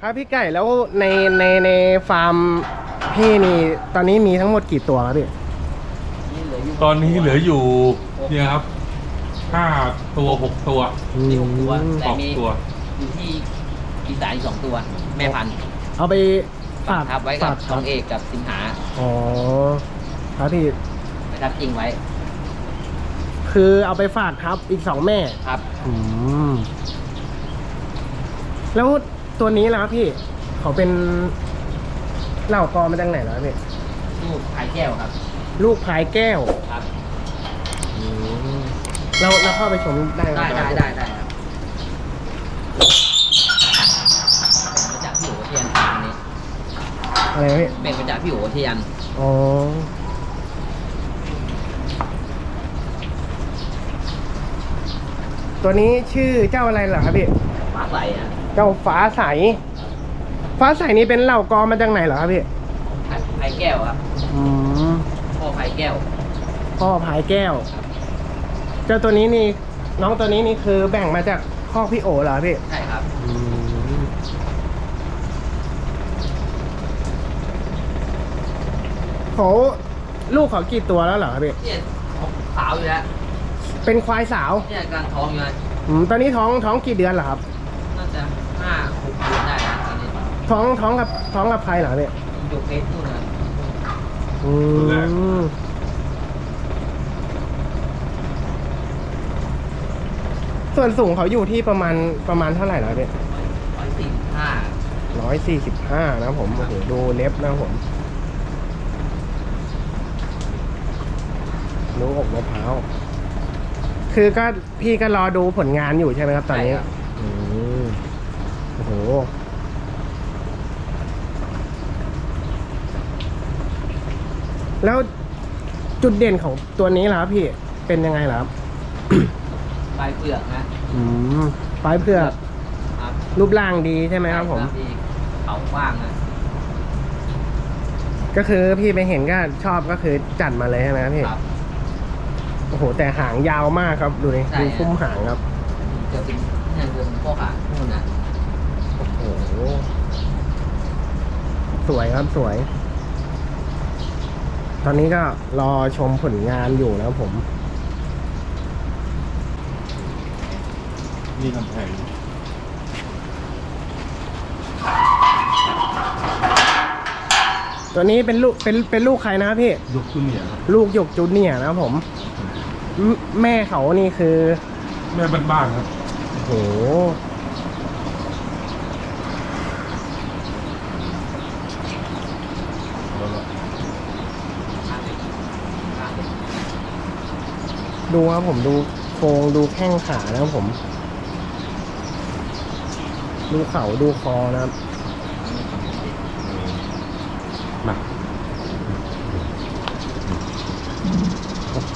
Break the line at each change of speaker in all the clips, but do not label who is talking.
ครับพี่ไก่แล้วในฟาร์มพี่นี่ตอนนี้มีทั้งหมดกี่ตัวครับพี่
ตอนนี้เหลืออยู่เนี่ยครับ5 ตัว 6 ตัว
มี6 ตัวแต่
6
มี
ตัว
อยู่ที่อีสานอีก2 ตัว แม่พันธุ์
เอาไปฝาก
ทับไว้กับ
ฝา
ทองเอกกับสิงหา
อ๋อครับพี่
ไปทับจริงไว้
คือเอาไปฝากทับอีก2 แม่
ครับ
อืมแล้วตัวนี้ล่ะครับพี่เขาเป็นเหล่ากอมาจากไหนแล้วพี่
ลูกพายแก้วครับ
ลูกพายแก้ว
ครับ
เราเข้าไปชมได้ไหม
ได้ครับเป็นมาจากพี่โอเทียนฟาร์มนี้
อะไรนะพี่
เป็นมาจากพี่โอเทียน
อ๋อตัวนี้ชื่อเจ้าอะไรเหรอครับพี่
ฟ้าใสอ่ะ
เจ้าฟ้าใส ฟ้าใสนี่เป็นเหล่ากอมาจากไหนเหรอครับพี่
พายแก้วครับ
อืม
พ่อพายแก้ว
พ่อพายแก้ว เจ้าตัวนี้นี่น้องตัวนี้นี่คือแบ่งมาจากข้อกพี่โอเหรอพี่
ใช่ครับ
เขาลูกเขากี่ตัวแล้วเหรอครับพี่
เนี่ยสาวอยู่แล้ว
เป็นควายสาว
เนี่ยกำลังท้องอยู่นะ
ตอนนี้ท้องกี่เดือนเหรอครับ
น่าจะ5-6 เดือนได้นะตอนนี้
ท้องกับใครเหรอพี่
ยกเฟสนู่นนะครับ
อืมส่วนสูงเขาอยู่ที่ประมาณเท่าไหร่แล้วพี่
145
145นะผมโอ้โหดูเล็บนะผมดูอกมะพร้าวคือก็พี่ก็รอดูผลงานอยู่ใช่ไหมครับตอนนี้
ใช่ครับ
อืมโอ้โหแล้วจุดเด่นของตัวนี้ล่ะครับพี่เป็นยังไงล่ะครับ
ปลายเปลือกนะ
อืมปลายเผือก
ครับ
รูปร่างดีใช่ไหมครับผม
ที่เขากว้างนะ
ก็คือพี่ไปเห็นก็ชอบก็คือจัดมาเลยใช่ไหมครับพี่
ครับ
โอ้โหแต่หางยาวมากครับดูดิ
ใช่
ดู
ครับ
คุ้มหางครับ
จะเป็นเนี่ยคือพวกขานู่นนะ
โอ้โหสวยครับสวย ตอนนี้ก็รอชมผลงานอยู่นะครับผม
นี่กำแพง
ตัวนี้เป็นลูกใครนะครับพี่
ยกขึ้นเนี่ยครับ
ลูกหยกจูเนียร์นะครับผมแม่เขานี่คือ
แม่บ้านๆครับ
โอ้โหดูครับผมดูโครงดูแข้งขานะครับผม ดูเข่าดูคอนะครับมาโอ้โห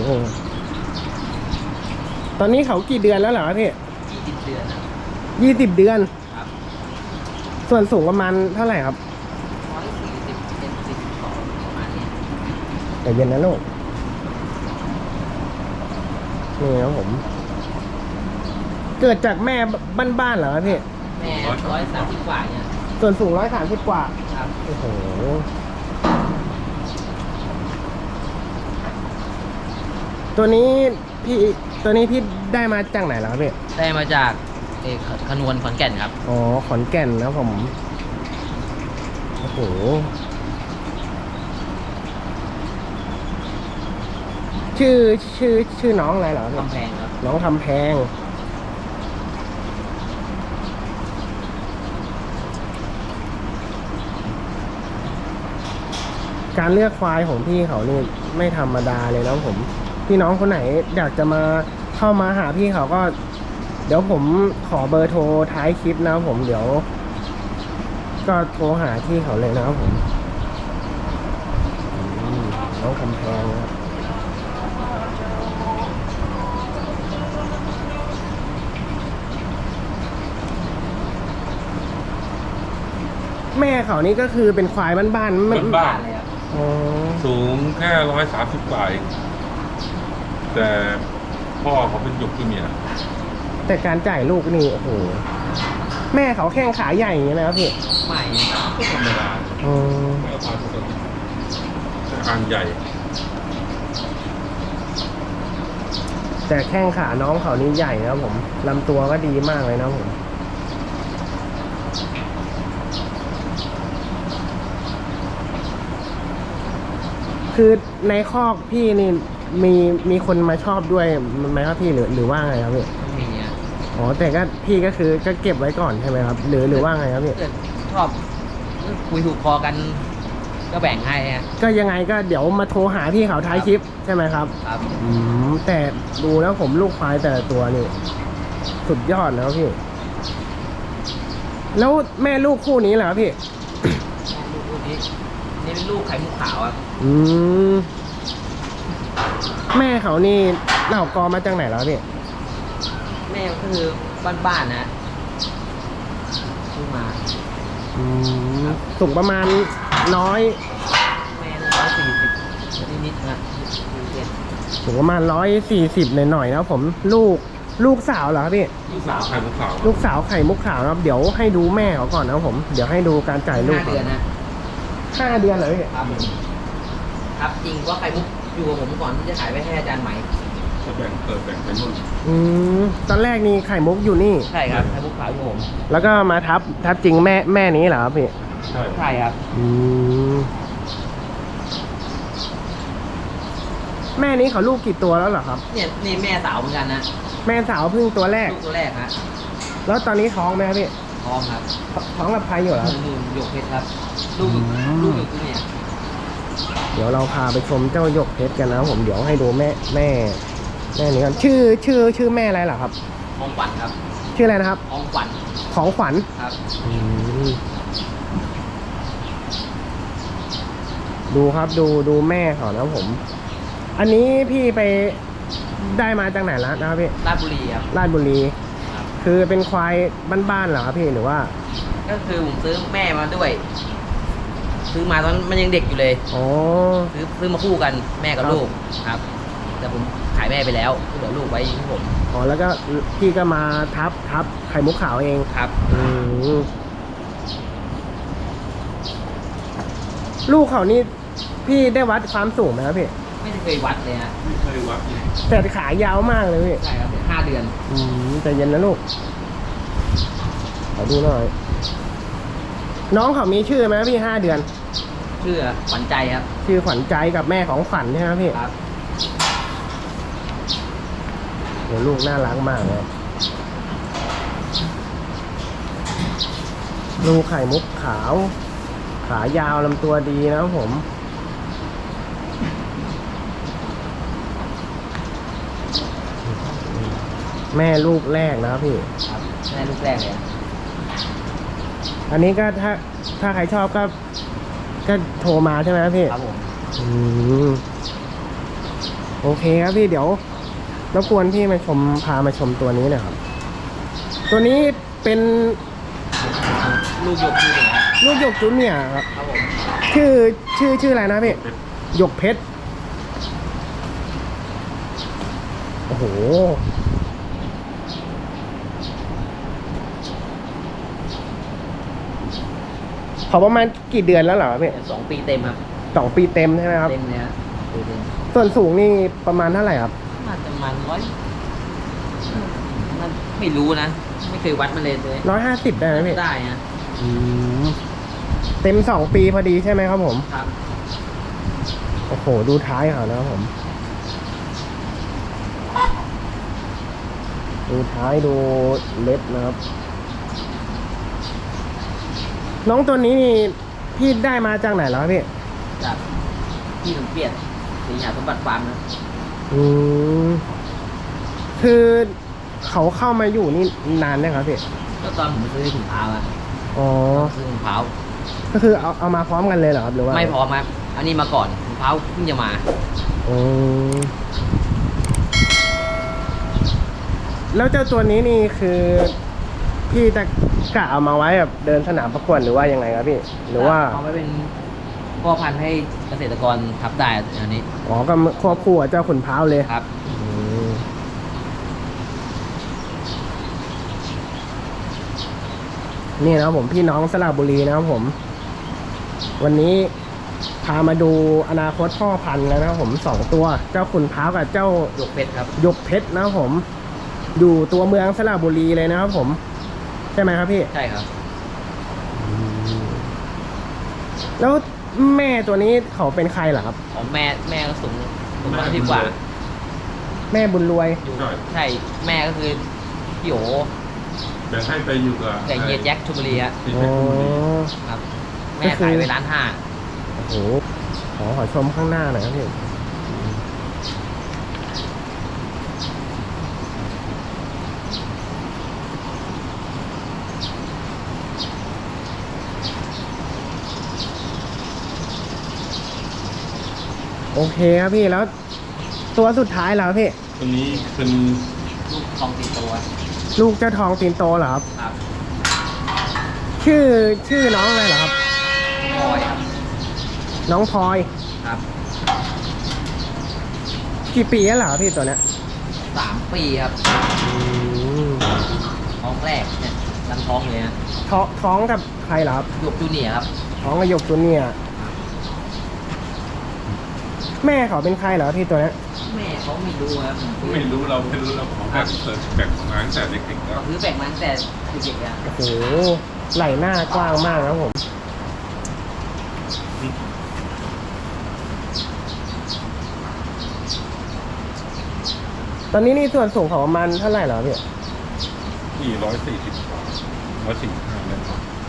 ตอนนี้เขากี่เดือนแล้วเหรอพี่
20 เดือนนะ
20 เดือน
ครับ
ส่วนสูงประมาณเท่าไหร่ครับ
140เป็น42ประมาณนี้
แต่เย็นนะลูกนี่ครับผม เกิดจากแม่บ้านๆเหรอครับพี่
แม่130 กว่าเนี่ย
ส่วนสูง130 กว่า
ครับ
โอ้โห ตัวนี้พี่ได้มาจากไหนแล้วครับพี่
ได้มาจากขนวนขอนแก่นครับ
อ๋อ ขอนแก่นนะครับผม โอ้โห ชื่อน้องอะไรเหรอพี่
กำแพงครับ
น้องทำแพง การเลือกควายของพี่เขานี่ไม่ธรรมดาเลยนะผม พี่น้องคนไหนอยากจะมาเข้ามาหาพี่เขาก็ เดี๋ยวผมขอเบอร์โทรท้ายคลิปนะครับผมเดี๋ยว ก็โทรหาที่เขาเลยนะครับผมน้องคำแพงนะครับแม่เขานี่ก็คือเป็นควายบ้านๆ
บ้าน
เลยครับ
อ๋อ
สูงแค่130 กว่าเองแต่พ่อเขาเป็นยกขึ้นเนี่ย
แต่การจ่ายลูกนี่โอ้โหแม่เขาแข้งขาใหญ่อย่างนี้ไหมครับพี่
ไม่
ก็ธรรมดา
อืม
แม่พันธุ์ปกติแต่อ่างใหญ่
แต่แข้งขาน้องเขานี่ใหญ่นะครับผมลำตัวก็ดีมากเลยนะครับผมคือในคอกพี่นี่มีคนมาชอบด้วยไหมครับพี่หรือว่าไงครับพี่
ไม่มีอ่ะ
อ๋อแต่ก็พี่ก็คือก็เก็บไว้ก่อนใช่ไหมครับ หรือว่าไงครับพี่
เกิดชอบคุยถูกคอกัน ก็แบ่งให้ฮะ
ก็ยังไงก็เดี๋ยวมาโทรหาพี่เขาท้ายคลิปใช่ไหมครับ
ครับ
แต่ดูแล้วผมลูกควายแต่ละตัวนี่สุดยอดแล้วพี่ แล้วแม่ลูกคู่นี้เหรอครับพี่
ลูกนี้นี่เป็นลูกไข่มุกขาวครับ
อืมแม่เขานี่เหล่ากอมาจากไหนแล้วพี่
แม่ก็คือบ้านๆนะซื้อมา
อืมสูงประมาณน้อย
แม่140นิดๆนะ140
สูงประมาณ140หน่อยๆนะครับผมลูกสาวเหรอครับพี่
ลูกสาวไข่มุกขาว
ลูกสาวไข่มุกขาวนะครับเดี๋ยวให้ดูแม่เขาก่อนนะครับผมเดี๋ยวให้ดูการจ่ายลูก
5 เดือนนะ
5 เดือนเหรอพี่
ครับผมครับจริงว่าไข่มุกอยู่กับผมก่อนที่จะขายไปให้อาจารย์ใหม่
จะแบ่งแบ่งเป็นนู่น
อืมตอนแรกนี่ไข่มุกอยู่นี่
ใช่ครับไข่มุกขาวอยู่ผม
แล้วก็มาทับจริงแม่นี้เหรอครับพี่
ใช่
ใช่ครับ
อืมแม่นี้เขาลูกกี่ตัวแล้วเหรอครับ
เนี่ยนี่แม่สาวเหมือนกันนะ
แม่สาวเพิ่งตัวแรก
ลูกตัวแรกฮะ
แล้วตอนนี้ท้องไหมครับพี่
ท้องครับ
ท้องกับใครอยู่เหรอครับ
นู่นหยกเพชรครับ ลูก
อืม
ลูกอยู่ที่เนี่ย
เดี๋ยวเราพาไปชมเจ้าหยกเพชรกันนะครับผมเดี๋ยวให้ดูแม่นี้กันชื่อแม่อะไรเหรอครับ
ของขวัญครับ
ชื่ออะไรนะครับ
ของขวัญ
ของขวัญ
ครับ
ดูครับดูแม่เขานะครับผม อันนี้พี่ไปได้มาจากไหนแล้วนะครับพี่
ราชบุรีครับ
ราชบุรี
ครับ
คือเป็นควายบ้านๆเหรอครับพี่หรือว่า
ก็คือผมซื้อแม่มาด้วย ซื้อมาตอนมันยังเด็กอยู่เลย
อ๋อ
ซื้อมาคู่กันแม่กับ
ครับ
ลูกครับ แต่ผมขายแม่ไปแล้วเหลือลูกไว้ที่ผม
อ๋อแล้วก็พี่ก็มาทับไข่มุกขาวเอง
ครับ
อืมลูกเขานี่พี่ได้วัดความสูงไหมครับพี่
ไม่ได้เคยวัดเลยฮะ
ไม่เคยวัดเลย
แต่ขายาวมากเลยพี่
ใช่ครับ5 เดือน
ใจเย็นนะลูกขอดูหน่อย น้องเขามีชื่อไหมพี่5 เดือน
ชื่อขวัญใจครับ
ชื่อขวัญใจกับแม่ของขวัญใช่ไหมพี่
ครับ
โหลูกน่ารักมากเลยลูกไข่มุกขาว ขายาวลำตัวดีนะครับผม แม่ลูกแรกนะครับพี่
ครับแม่ลูกแรกเลย
อันนี้ก็ถ้าใครชอบก็โทรมาใช่ไหมครับพี่
ครับผม
อืมโอเคครับพี่เดี๋ยวรบกวนพี่พามาชมตัวนี้หน่อยครับ ตัวนี้เป็น
ลูกหยกที่เนี่ยครับ
ลูกหยกจุนเนี่ยร์ครับ
ครับผม
ชื่ออะไรนะพี่หยกเพชรโอ้โหเขาประมาณกี่เดือนแล้วเหรอพี่
2 ปีเต็มครับ
2 ปีเต็มใช่ไหมครับ
เต็มเลยฮะปีเต็ม
ส่วนสูงนี่ประมาณเท่าไหร่ครับ
น่าจะประมาณนั่นไม่รู้นะ ไม่เคยวัดมันเลย
150ได้ไหมพี่
ได้นะ
เต็ม2 ปีพอดีใช่ไหมครับผม
ครับ
โอ้โหดูท้ายเขานะครับผม ดูท้ายดูเล็บนะครับ น้องตัวนี้นี่พี่ได้มาจากไหนแล้วพี่
จากที่สมเกียรติศรีหาสมบัติฟาร์มนะ
อืมคือเขาเข้ามาอยู่นี่นานนะครับพี่
ก็ตอนผมซื้อถุงเท้าอะ
อ๋อ
ซื้อถุงเท้า
ก็คือเอามาพร้อมกันเลยเหรอครับหรือว่า
ไม่พร้อมครับอันนี้มาก่อนถุงเท้าเพิ่งจะมา
อืมแล้วเจ้าตัวนี้นี่คือพี่จะกะเอามาไว้แบบเดินสนามประกวดหรือว่ายังไงครับพี่ หรือว่า
เอาไว้เป็นพ่อพันธุ์ให้เกษตรกรทับได้อันนี้
อ๋อก็ควบคู่กับเจ้าขุนพร้าวเลย
ครับ
อืมนี่นะครับผมพี่น้องสระบุรีนะครับผม วันนี้พามาดูอนาคตพ่อพันธุ์แล้วนะครับผม2ตัวเจ้าขุนพร้าวกับเจ้า
หยกเพชรครับ
หยกเพชรนะครับผม อยู่ตัวเมืองสระบุรีเลยนะครับผมใช่ไหมครับพี่
ใช่ครับ
แล้วแม่ตัวนี้เขาเป็นใครเหรอครับ
ของแม่ก็สูงมาดีกว่า
แม่บุญรวย
อยู่ใช่แม่ก็คือพี่โอ
แบ่งให้ไปอยู่กับ
แต่เฮียแจ็คชลบุรีฮะ
ที่
อ๋
เพชรบุรี
อ
ครับ แม่ขายไป1,500,000
โอ้โหขอชมข้างหน้าหน่อยครับพี่โอเคครับพี่แล้วตัวสุดท้ายแล้วพี่
ตัวนี้เป็น
ลูกทองติดตัว
ลูกเจ้าทองตีนโตเหรอครับ
ครับ
ชื่อน้องอะไรเหรอครับ
พลอยครับ
น้องพลอย
ครับ
กี่ปีแล้วเหรอพี่ตัวเนี้ย
3 ปีครับ
อืม
ท้องแรกเนี่ยตั้งท้องเลยฮะ
ท้องกับใครเหรอครับ
หยกจูเนียร์ครับ
ท้องกับหยกตัวเนี่ยแม่เขาเป็นใครเหรอพี่ตัวเนี้ย
แม่เขาไม่รู้ครับ
ไม่รู้เราของแบ่งแบ่งมาตั้งแต่เด็กๆแล้ว
เขาซื้อแบ่งมาตั้งแต่เด็กๆอะ
โอ้โหไหล่หน้ากว้างมากครับผมตอนนี้นี่ส่วนสูงของมันเท่าไหร่เหรอพี่
นี่145แล้ว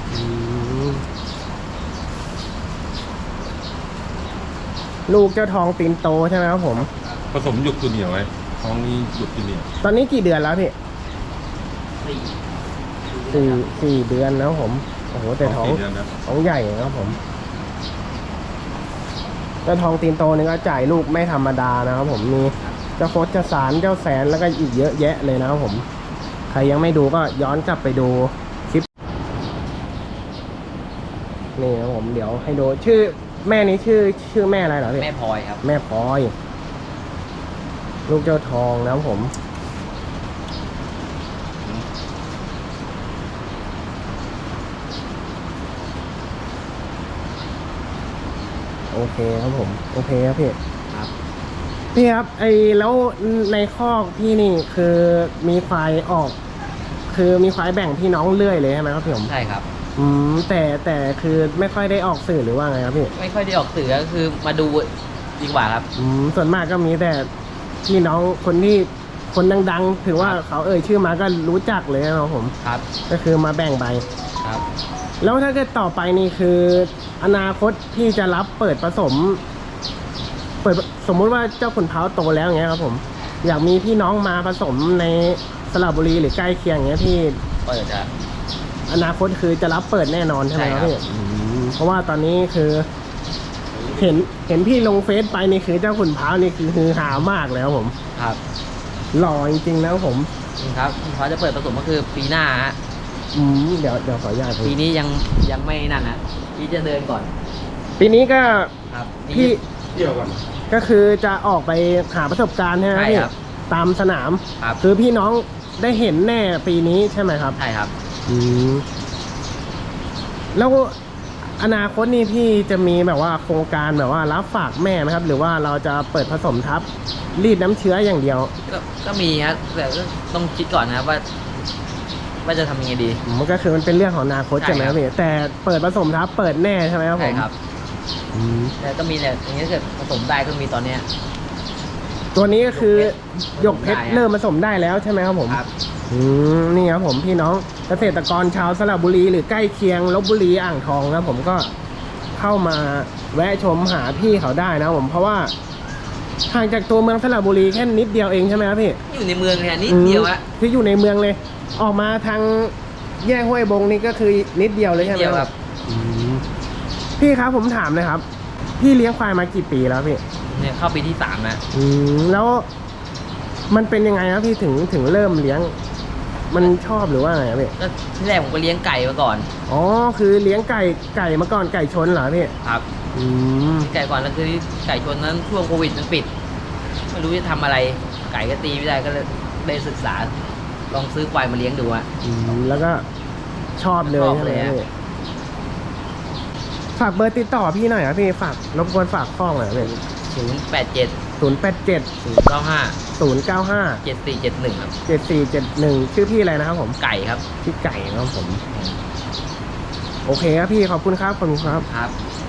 ลูกเจ้าทองตีนโตใช่ไหมครับผม
ผสมหยกตัวเหนียวไว้ท้องนี้หยกตัวเหนียว
ตอนนี้กี่เดือนแล้วพี่
สี่
สี่เดือนแล้วผมโอ้โหแต่ท้อง
4 เดือนนะ
ท้องใหญ่นะครับผมเจ้าทองตีนโตนี่ก็จ่ายลูกไม่ธรรมดานะครับผมมีเจ้าโคตรเจ้าสารเจ้าแสนแล้วก็อีกเยอะแยะเลยนะครับผมใครยังไม่ดูก็ย้อนกลับไปดูคลิปนี่นะครับผมเดี๋ยวให้ดูชื่อแม่นี้ชื่อแม่อะไรเหรอพี่
แม่พลอยครับ
แม่พลอย ลูกเจ้าทองนะครับผม โอเคครับผมโอเคครับพี่
ครับ
พี่ครับแล้วในคอกพี่นี่คือมีควายออก คือมีควายแบ่งพี่น้องเรื่อยเลยใช่ไหมครับพี่ผม
ใช่ครับ
แต่คือไม่ค่อยได้ออกสื่อหรือว่าไงครับพี่
ไม่ค่อยได้ออกสื่อก็คือมาดูดีกว่าครับ
ส่วนมากก็มีแต่พี่น้องคนดังๆถือว่าเขาชื่อมาก็รู้จักเลยนะครับผม
ครับ
ก็คือมาแบ่งใบ
ครับ
แล้วถ้าเกิดต่อไปนี่คืออนาคตพี่จะรับเปิดผสม สมมุติว่าเจ้าขุนพร้าวโตแล้วอย่างเงี้ยครับผมอยากมีพี่น้องมาผสมในสระบุรีหรือใกล้เคียงอย่างเงี้ยพี่
เปิดครับ
อนาคตคือจะรับเปิดแน่นอนใช่ไหมครับ
ใช่ครับ
พี่เพราะว่าตอนนี้คือ เห็นพี่ลงเฟซไปนี่คือเจ้าขุนพร้าวนี่คือฮือฮามากแล้วผม
ครับ
หล่อจริงๆแล้วผม
ครับเขาจะเปิดผสมก็คือปีหน้าฮะ
เดี๋ยวขออนุญาต
ปีนี้ยังไม่นั่นนะพี่จะเดินก่อน
ปีนี้ก็
ครับ
พี่
เที่ยวกัน
ก็คือจะออกไปหาประสบการณ์ใช่ไหม
ใช่
พี่
ครับ
ตามสนาม
ครับ
คือพี่น้องได้เห็นแน่ปีนี้ใช่ไหมครับ
ใช่ครับ
แล้วอนาคตนี่พี่จะมีแบบว่าโครงการแบบว่ารับฝากแม่ไหมครับ หรือว่าเราจะเปิดผสมทับรีดน้ำเชื้ออย่างเดียว
ก็มีครับแต่ก็ต้องคิดก่อนนะครับว่าจะทำยังไงดี
มันก็คือมันเป็นเรื่องของอนาคต
ใช่
ใช่ไหมครับ
ครับ
พี่แต่เปิดผสมทับเปิดแน่ใช่ไหมครับผ
ใช่
ม
ครับ
อืม
แต่ก็มีแต่อย่างนี้ถ้าเกิดผสมได้ก็มีตอนเนี้ย
ตัวนี้ก็คือหยกเพชร
ได้อะ
เริ่มผสมได้แล้วใช่ไหมครับผม
ครับ
นี่ครับผมพี่น้องเกษตรกรชาวสระบุรีหรือใกล้เคียงลพบุรีอ่างทองครับผมก็เข้ามาแวะชมหาพี่เขาได้นะผมเพราะว่าห่างจากตัวเมืองสระบุรีแค่นิดเดียวเองใช่ไหมครับพี่
อยู่ในเมืองเนี่ยนิดเดียวอะ
คืออยู่ในเมืองเลย ออกมาทางแยกห้วยบงนี่ก็คือนิดเดียวเลยใช่ไหม
นิดเดียวครับ
พี่ครับผมถามเลยครับ พี่เลี้ยงควายมากี่ปีแล้วพี่
เนี่ยเข้าปีที่3นะ
แล้วมันเป็นยังไงครับพี่ถึงเริ่มเลี้ยง มันชอบหรือว่าไงครับพี่
ก็ที่แรกผมก็เลี้ยงไก่มาก่อน
อ๋อคือเลี้ยงไก่มาก่อนไก่ชนเหรอพี่
ครับ ไก่ก่อนแล้วคือไก่ชนนั้นช่วงโควิดมันปิดไม่รู้จะทำอะไรไก่ก็ตีไม่ได้ก็เลยได้ศึกษา ลองซื้อควายมาเลี้ยงดูอะ
แล้วก็ชอบเลย
ชอบ
ใช่ไห
เล
ม
ยอะ
พี่ฝากเบอร์ติดต่อพี่หน่อยครับพี่ฝากรบกวนฝากข้องหน่อยครับพี่
087
087
095
095
7471ครับ
7471ชื่อพี่อะไรนะครับผม
ไก่ครับ
พี่ไก่นะครับผม โอเคครับพี่ขอบคุณครับขอบคุณครับ
ครับ